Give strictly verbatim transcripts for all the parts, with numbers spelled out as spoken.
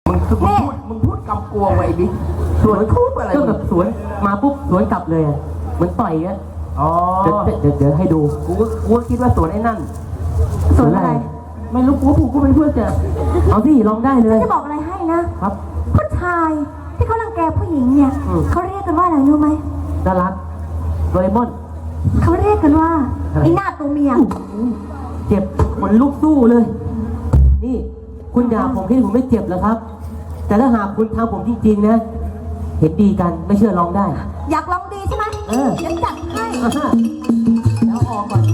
มึงพูดมึงพูดกำกวงไว้ดิสวนพูดอะไรก็แบบสวนมาปุ๊บสวนกลับเลยเหมือนต่อยอ่ะอ๋อเดี๋ยวเดี๋ยวเดี๋ยวให้ดูกูก็กูก็คิดว่าสวนไอ้นั่นสวนอะไรไม่รู้กูกูก็เป็นเพื่อนจะเอาสิลองได้เลยจะบอกอะไรให้นะครับผู้ชายที่เขารังแกผู้หญิงเนี่ยเขาเรียกกันว่าอะไรรู้ไหมดารักโดเรมอนเขาเรียกกันว่าไอ้หน้าตัวเมียเจ็บขนลุกสู้เลยนี่คุณด่าผมที่ผมไม่เจ็บแล้วครับแต่ถ้าหากคุณทำผมจริงๆนะเห็นดีกันไม่เชื่อลองได้อยากลองดีใช่ไหมเออเดี๋ยวจัดให้แล้วออกก่อน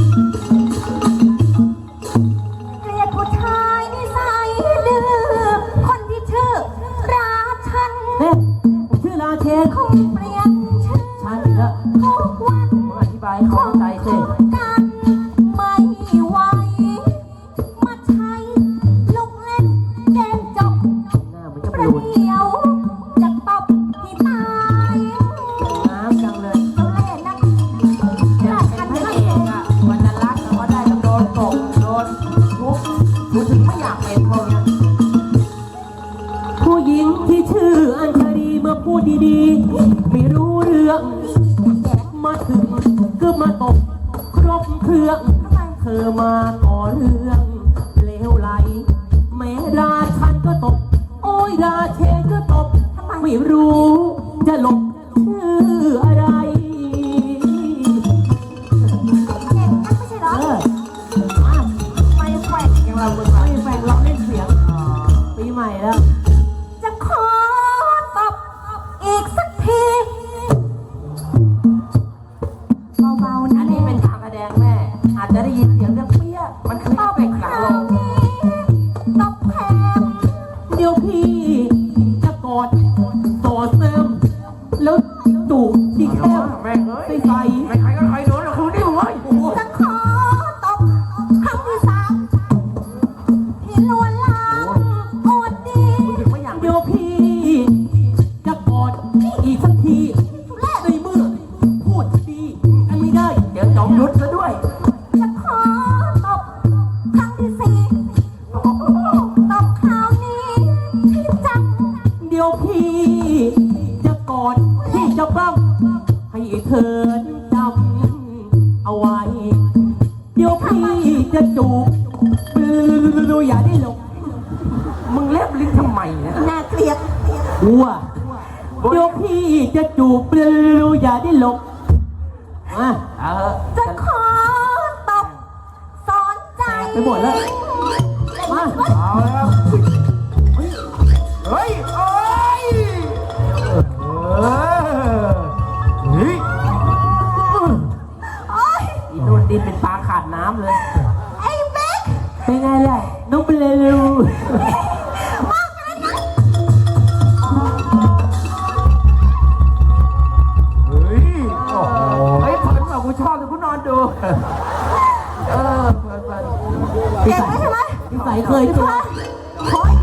เกลียดผู้ชายนิสัยดื้อคนที่ชื่อราชันเฮ้ยผมชื่อราเชนคงเปลี่ยนชื่อชันอีกแล้วทุกวันผมอธิบายเข้าใจสิกันไม่ไหวมาใช้ลูกเล่นเกมจบหน้ามันจะประเดี๋ยวจะตบให้ตายน้ำจังเลยเขาเล่นนะราชันไม่เองอ่ะวันนั้นรักแต่ว่าได้ต้องโดนตกโดนทุบกูถึงไม่อยากเป็นพวกนี้ผู้หญิงที่ชื่ออัญชลีมาพูดดีๆไม่รู้เรื่องมาถึงก็มาตกครบเครื่องเธอมาก่อเรื่องเลวไหลแม่ราชันก็ตกโอ้ยราเชนก็ตกไม่รู้จะหลบชื่ออะไรเก่งนักไม่ใช่เหรอไม่แฝงอย่างเราไม่แฝงเราเล่นเสียงปีใหม่แล้วจะขอตบอีกสักทีเบาๆนะอันนี้เป็นทางแสดงแม่อาจจะได้ยินเสียงเรื่องเปี้ยมันคือเอฟเฟกต์หลังลงตบแพงเดี๋ยวพี่จะกอดต่อเสริมแล้วจูบที่แก้มใส่ใส่ใครก็ใครโดนแล้วคุณดิวเว้ยจะขอตบครั้งที่สามที่ลวนลามอวดดีเดี๋ยวพี่จะกอดอีกสักทีในเมื่อพูดดีกันไม่ได้เดี๋ยวจอมยุทธซะด้วยจะขอตบครั้งที่สี่ตบคราวนี้ที่จังเดี๋ยวพี่จะกอดพี่จะปั้มให้เธอจำเอาไว้เดี๋ยวพี่จะจูบดูอย่าได้หลบมึงเล็บลิ้นทำไมนะน่าเกลียดวัวเดี๋ยวพี่จะจูบดูอย่าได้หลบมาเออจะขอตบสอนใจไปหมดแล้วมาเอาแล้วเฮ้ยเฮ้ยเฮ้ยโอ้ยอีโดนดินเป็นปลาขาดน้ำเลยไอ้เบ๊กเป็นไงล่ะน้องเปลลูมากเลยนะเฮ้ยโอ้โหเฮ้ยเพิ่นบอกกูชอบแต่กูนอนดูเออเพิ่นเพิ่นเก่งไหมใช่ไหมพี่ใส่เคยเจอขออี